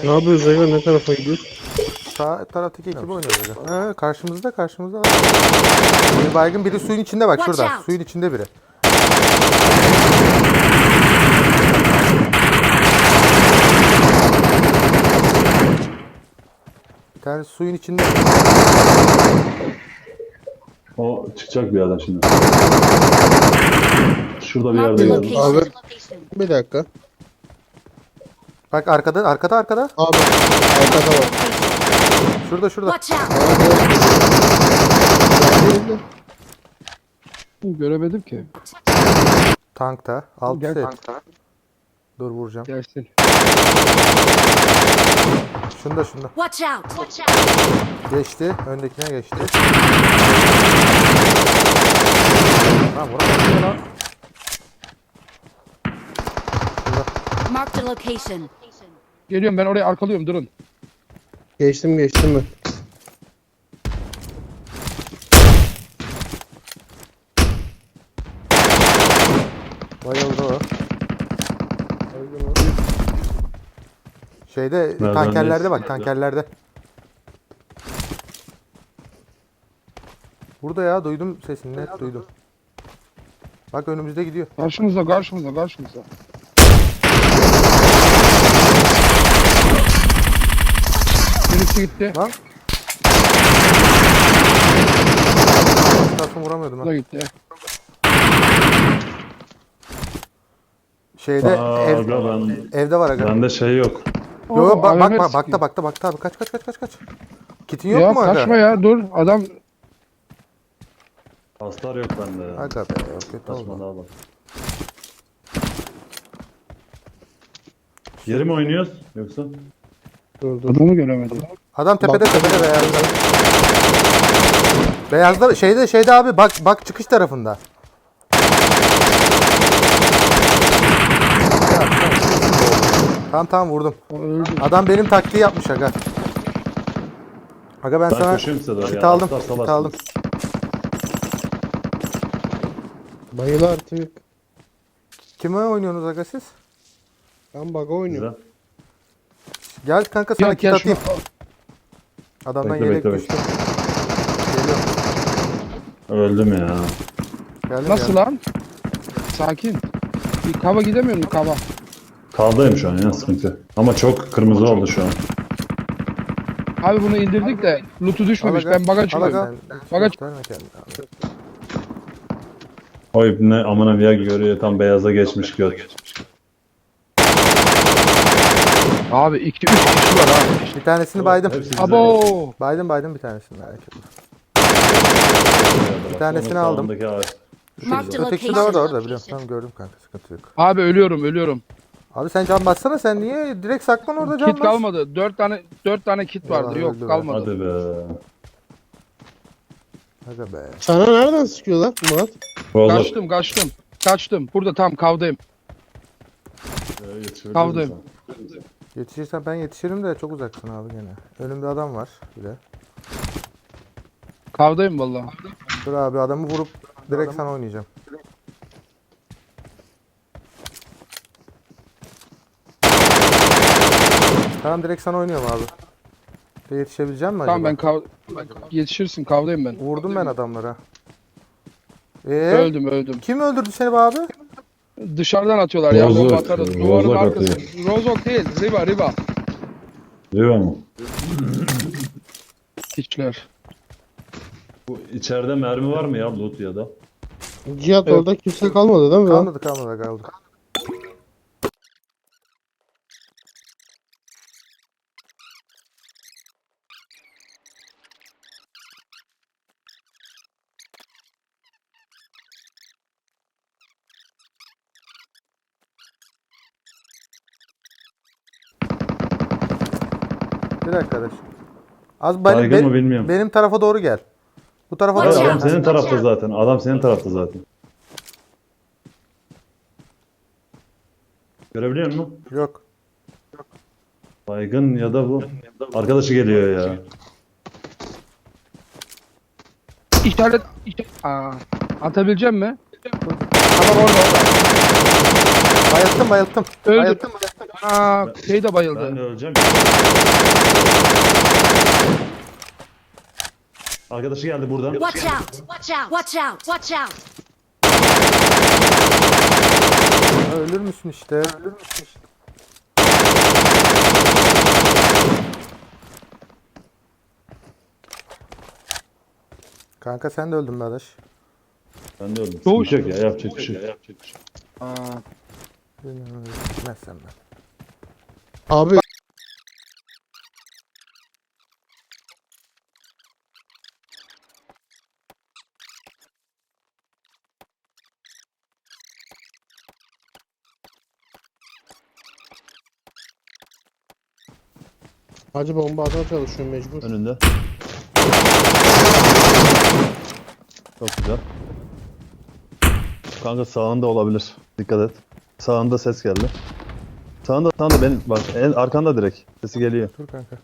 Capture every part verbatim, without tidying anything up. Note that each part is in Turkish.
Ne yapıyoruz Ega? Ne tarafa gidiyoruz? Sağ taraftaki ekibi oynuyoruz. Ha, karşımızda karşımızda var. Bir baygın, biri suyun içinde bak Watch şurada. out. Suyun içinde biri. Bir tane suyun içinde. O çıkacak bir yerden şimdi. Şurada bir Marked yerde a geldi. location. Bir dakika. Bak arkada arkada arkada. Abi arkada var. Şurada şurada. Watch out. Göremedim ki. Tankta. Alt Gel. set. Dur vuracağım. Gelsin. Şunda şunda. Watch out. Watch out. Geçti. Öndekine geçti. Lan vuramadım lan. Marked a location. Geliyorum, ben oraya arkalıyorum, durun. Geçtim geçtim ben. Bayıldı o. Şeyde Nereden tankerlerde neyse. bak tankerlerde. Burada ya, duydum sesini, net duydum. Bak önümüzde gidiyor. Karşımızda, karşımızda, karşımızda. Birisi gitti. Lan. Stars'ı vuramıyordum Bu da ha. gitti. Şeyde Aa, ev, aga ben, evde var aga. bende şey yok. Yo yo, bak A V M bak bak sıkıyor. bakta bakta bakta abi, kaç kaç kaç kaç kaç. Kitin yok Ya mu aga? kaçma ya, dur. Adam Hastar yok bende ya. Aga be, kötü Kaçma oldu. daha bak. Yeri mi oynuyoruz yoksa? Dur dur. adamı göremedim. Adam tepede tepede beyazda. Beyazda şeyde şeyde abi, bak bak çıkış tarafında. Tamam tamam vurdum. O öldü. Adam benim taktiği yapmış aga. Aga ben, Ben sana koşayım size doğru kit ya. aldım. Hastar Kit salarsınız. aldım. Bayıl artık. Kime oynuyorsunuz aga siz? Ben bug oynuyorum. Güzel. Gel kanka sana Ya kit gel atayım. şunu. Adamdan Bekle, yelek bekle, düştü. Geliyor. Öldüm ya. Geldim, Nasıl geldim. lan? Sakin. Bir kava gidemiyorum, kava. Kaldayım şu an ya, sıkıntı. Ama çok kırmızı oldu şu an. Abi bunu indirdik de loot'u düşmemiş. Al aga, Ben baga al çıkıyorum. aga. Baga- Gösterme kendini abi. O ibne amına bir görüyor, tam beyaza geçmiş göt. Abi iki üç kişi var abi. Bir tanesini baydım. Hepsi bize Abo. Baydım baydım bir tanesini, merak etme. geçiyor. Bir tanesini Onun aldım. sağındaki ağaç. Marked a Ötekisi de orada location. orada biliyorum. Tamam gördüm kanka, sıkıntı yok. Abi ölüyorum, ölüyorum. Abi sen can bassana, sen niye direkt saklan orada, can Kit bas. kalmadı. Dört tane dört tane kit vardı. Vallahi Yok öldü be. kalmadı. Hadi be. Aga be. Sana nereden sıkıyorlar Murat? Vallahi Kaçtım, kaçtım. Kaçtım. Burada tam kavdayım. Ee, yetişebilir Kavdayım. misin? Yetişirsen ben yetişirim de çok uzaksın abi gene. Önümde adam var bir de. Kavdayım vallahi. Dur abi, adamı vurup direkt sana oynayacağım. Tamam direkt sana oynuyorum abi. De yetişebileceğim mi acaba? Tamam ben kav yetişirsin, kavdayım ben. Vurdum ben adamlara. Ee, Öldüm, öldüm. kim öldürdü seni be abi? Dışarıdan atıyorlar ya, Rozok, bomba atarız. Duvarın Rozok arkası. atıyor. Rozok değil, Riva, Riva. Diyor mu? Hiçler. Bu içeride mermi var mı ya, loot ya da? Cihat Evet. orada kimse kalmadı değil mi? lan? Kalmadı kalmadı kaldı. Bir dakika arkadaş. Az benim, Baygın benim, mı bilmiyorum. benim tarafa doğru gel. Bu tarafa Hayır, doğru Watch adam gel. out. senin tarafta zaten. Adam senin tarafta zaten. Görebiliyor musun? Yok. Baygın ya da bu. Arkadaşı geliyor ya. İşaret, işaret. Aa, atabileceğim mi? Tamam orada orada. Bayılttım bayılttım. Öldü. Bayılttım bayılttım. Aa, şey de Ben bayıldı. de öleceğim. Arkadaşı geldi buradan. Watch out! Watch out! Watch out! Watch out! Ha, ölür müsün işte? Ölür müsün işte? Kanka sen de öldün be adaş. Ben de öldüm. Doğuş. Sıkıntı yok ya. Yapacak bir şey yok. Aa, Gitmezsem ben. Abi Hacı bomba atmaya çalışıyorum mecbur. Önünde. Çok güzel. Kanka sağında olabilir. Dikkat et. Sağında ses geldi. Sağında, sağında benim bak en arkanda direkt. Sesi geliyor. Dur kanka.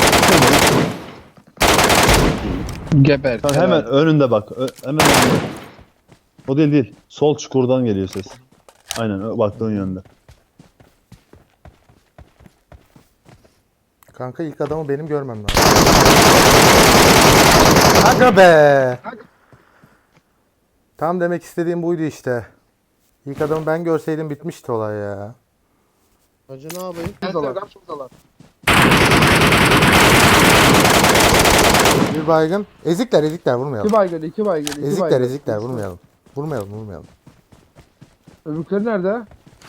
geber. Kanka hemen önünde bak. Ö- hemen önünde. O değil değil. Sol çukurdan geliyor ses. Aynen ö- baktığın yönde. Kanka ilk adamı benim görmem lazım. Aga be. Tam demek istediğim buydu işte. İlk adamı ben görseydim bitmişti olay ya. Hacı ne yapayım? Bir baygın. Ezikler ezikler vurmayalım. İki baygın, iki baygın, iki Ezikler baygın. ezikler vurmayalım. Vurmayalım vurmayalım. Öbürkleri nerede?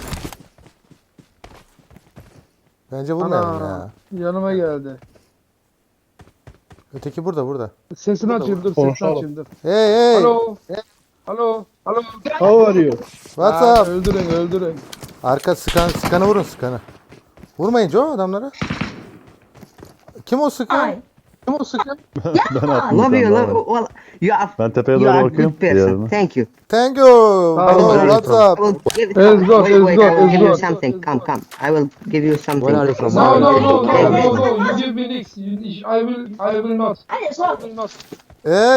Bence vurmayalım Ana, ya. yanıma geldi. Öteki burada burada. Sesini açayım dur, sesini Konuşalım. açayım dur. Hey hey. Alo. Alo. Alo. How are you? What's Aa, up? öldürün, öldürün. Arka sıkan sıkanı vurun sıkanı. Vurmayın Joe adamlara. Kim o sıkan? Kim o sıkan? Ben attım. Love bir you, tane love. daha. Well, you are, Ben tepeye you doğru are a bakıyorum. good person. Diğerine. Thank you. Thank you. Tamam, Bro, where are what's I up? will give, Let's go, wait, let's wait, go, I will let's give go. you something. Come, come. I will give you something. Where are you from? No, no, no, no, Wait, no, wait. no. You give me next. You, I will, I will not. I will not. Hey.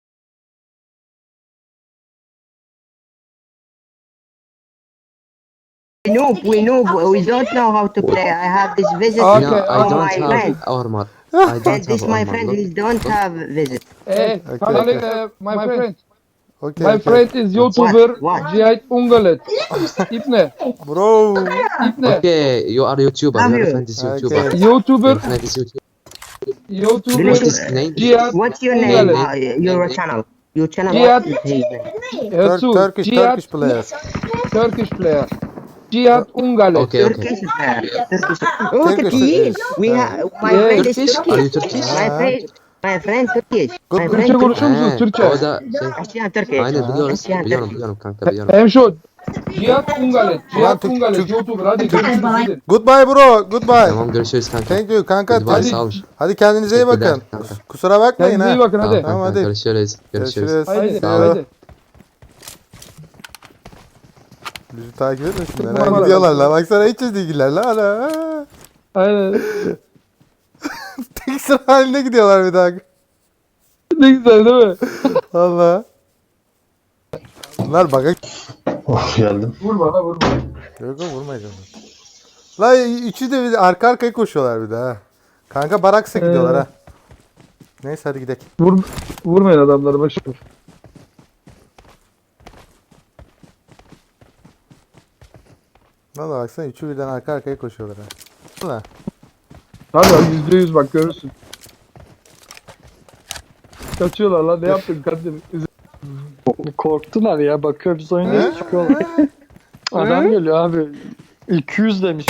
We know, we know, we don't know how to play. I have this visit Okay, No, I from don't my have friend. armor. I And don't this have my armor. friend Look. who don't have visit. Hey, Okay, Khalid, okay. uh, my friend. Okay, My okay. friend is YouTuber What? Cihayet Ungalet. İpne, Bro. İpne. Okay, you are YouTuber. Love Your you. friend is Okay. YouTuber. YouTuber, Your friend is YouTuber. YouTuber What is his name? Cihayet What's your name? Ungalet. Uh, your channel. Your channel. Yeah. What is his name? Tur- Ertuğ, Turkish Cihayet Turkish player. Turkish player. Cihayet Ungalet. Okay, okay. Turkish player. Turkish. Oh, Turkish, Turkish. We yeah. have my Yeah. friend is Turkish? Are you Turkish. Turkish? My friend, my friend Turkish. Good. My Türkçe friend Turkish. konuşuyor musunuz? He, Türkçe. o da şey, Aşağı Turkish. aynen biliyoruz. Aşağı Biliyorum Turkish. biliyorum kanka biliyorum. Hem şu Cihayet Ungalet. Cihayet Türk- Ungalet Türk- YouTuber. Hadi görüşürüz. gidin. Goodbye bro. Goodbye. Tamam görüşürüz kanka. Thank you kanka. Goodbye, Hadi, sağ ol. hadi kendinize iyi bakın. Teşekkürler kanka. Kusura bakmayın Kendinize iyi ha. bakın Tamam hadi. Tamam, kanka hadi. görüşürüz. Görüşürüz. Görüşürüz. Haydi. See you. Haydi. Bizi takip etmesinler. Numara Ha, ver. gidiyorlar la. Baksana hiç ilgiler la. Ana. Aynen. Tek sıra halinde gidiyorlar bir daha. Ne güzel değil mi? Allah. Bunlar baka... Of geldim. Vurma ha vurma. Yok yok vurmayacağım. La üçü de bir arka arkaya koşuyorlar bir daha. Kanka baraksa gidiyorlar Ee. ha. Neyse hadi gidelim. Vur, vurmayın adamları başım. Valla baksana üçü birden arka arkaya koşuyorlar ha. Valla. Hadi hadi yüzde yüz bak görürsün. Kaçıyorlar lan ne yaptın kardeşim? Korktular ya, bakıyoruz He? oynuyor çıkıyorlar. Adam geliyor abi. iki yüz demiş.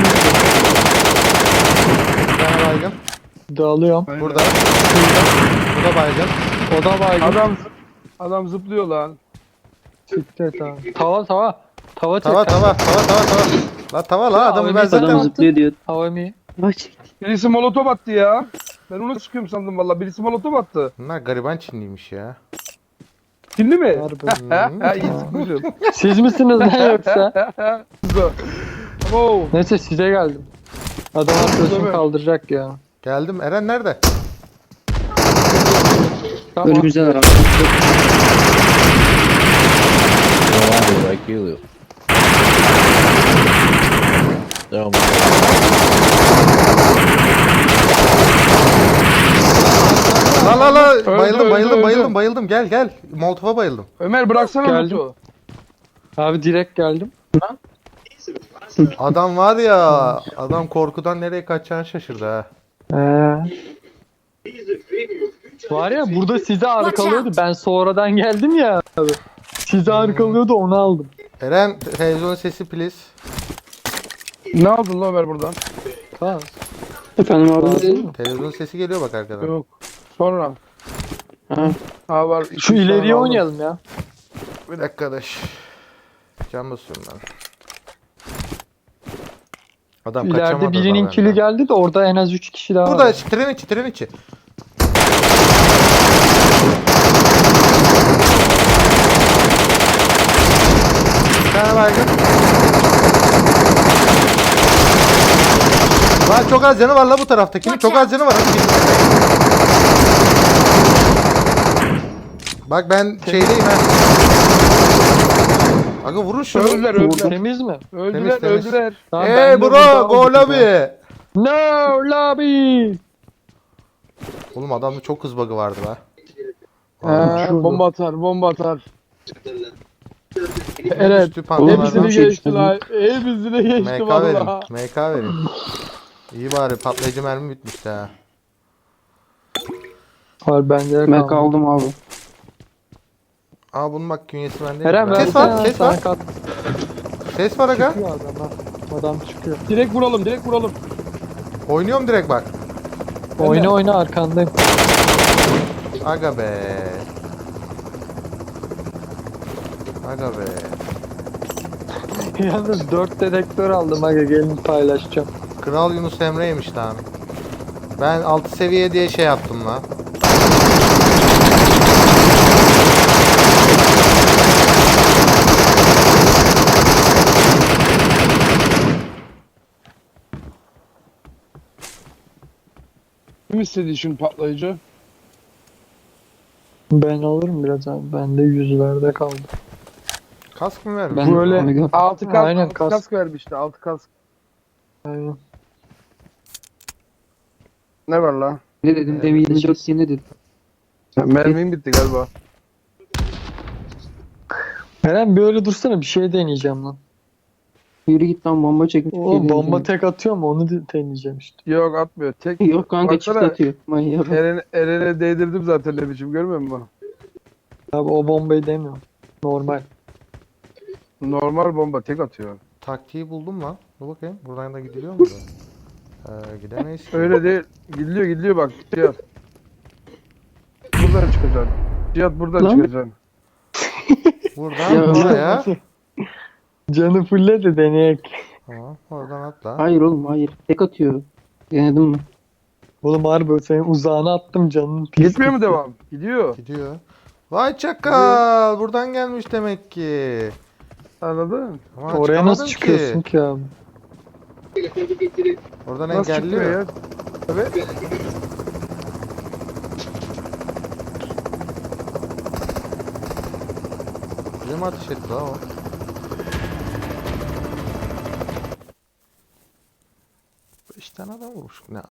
Bir tane baygın. Dağılıyorum. Burada. Bu da baygın. O da baygın. Adam adam zıplıyor lan. Çıktı et abi. Tava tava. Tava çek. Tava tava tava tava tava. La tava la adamı ben zaten... diyor. Hava mı? Birisi molotof attı ya. Ben onu sıkıyorum sandım valla. Birisi molotof attı. Bunlar gariban Çinliymiş ya. Kimli mi? Harbi. Ha ha iyi sıkmışım. Siz misiniz lan yoksa? Wow. Neyse size geldim. Adam arkadaşını kaldıracak ya. Geldim. Eren nerede? Tamam. Önümüzdeler abi. Devam. La la la Öldü, bayıldım öldü, bayıldım öldü. bayıldım bayıldım gel gel. Molotof'a bayıldım. Ömer bıraksana Geldim. Umut'u. Abi direkt geldim. Adam var ya adam korkudan nereye kaçacağını şaşırdı ha. Ee. Var ya burada sizi arkalıyordu. Ben sonradan geldim ya abi. Sizi arkalıyordu onu aldım. Eren televizyon sesi please. Ne aldın lan Ömer buradan? Tamam. Efendim abi. Televizyon sesi geliyor bak arkadan. Yok. Sonra. Ha. Ha var. iki Şu üç tane ileriye aldım. oynayalım ya. Bir dakika arkadaş. Can basıyorum ben. Adam kaçamadı. İleride birinin da kili benden. geldi de orada en az üç kişi daha Burada var. tren içi tren içi. Bir tane baygın. Lan çok az canı var la bu taraftakinin. Çok az canı var. Hadi git. Bak ben şeydeyim ha. Aga vurun şunu. Öldüler öldüler. Temiz mi? Öldüler Temiz, temiz. öldüler. Tamam, Hey ben de burada bro go aldım ya. lobby. No lobby. Oğlum adamda çok hız bug'ı vardı be. Ha, bomba atar bomba atar. Evet. Üstü pantolon Hepsini var. geçti lan. Hepsini geçti M K verin. valla. M K verin. İyi bari patlayıcı mermi bitmişti ha. Var bende de Ben kaldı. kaldım abi. Aa bunun bak künyesi bende. Eren Kes versene var, kes sana var. kat. Ses var aga. Çıkıyor adam ha. Adam çıkıyor. Direkt vuralım direkt vuralım. Oynuyorum direkt bak. Oyna oyna arkandayım. Aga be. Aga be. Yalnız dört dedektör aldım aga gelin paylaşacağım. Kral Yunus Emre'ymiş lan. Ben altı seviye diye şey yaptım lan. Kim istedi şimdi patlayıcı? Ben alırım biraz abi. Bende yüzlerde kaldı. Kask mı vermiş? Ben Böyle Omega. altı kask, Aynen, altı kask. kask vermişti altı kask. Aynen. Ne var la? Ne dedim? Demin yirmi dört diye ne dedim? Mermim bitti galiba. Eren bir öyle dursana bir şey deneyeceğim lan. Yürü git lan bomba çekmiş. bir Oğlum şey bomba deneyeceğim. tek atıyor mu onu de- deneyeceğim işte. Yok atmıyor. Tek Yok kanka Baksana. çift atıyor. Manyak. Eren'e Eren'e değdirdim zaten ne biçim görmüyor musun? Abi o bombayı demiyorum. Normal. Normal bomba tek atıyor. Taktiği buldum lan. Dur bakayım. Buradan da gidiliyor mu? Ee, gidemeyiz ki. Öyle değil. Gidiyor gidiyor bak. Cihat. Buradan çıkacaksın. Cihat buradan Lan. çıkacaksın. Buradan Ya. buraya. Canı fulle de deneyek. Tamam. Oradan atla. Hayır oğlum hayır. Tek atıyor. Denedim mi? Oğlum harbi senin uzağına attım canın pis. Gitmiyor mu devam? Gidiyor. Gidiyor. Vay çakal. Buradan gelmiş demek ki. Anladın? Ama Oraya nasıl çıkamadım çıkıyorsun ki abi? Oradan Nasıl çıkıyor engelliyor. ya? Evet. Bize mi ateş etti la o? Beş tane adam vurmuş. Ne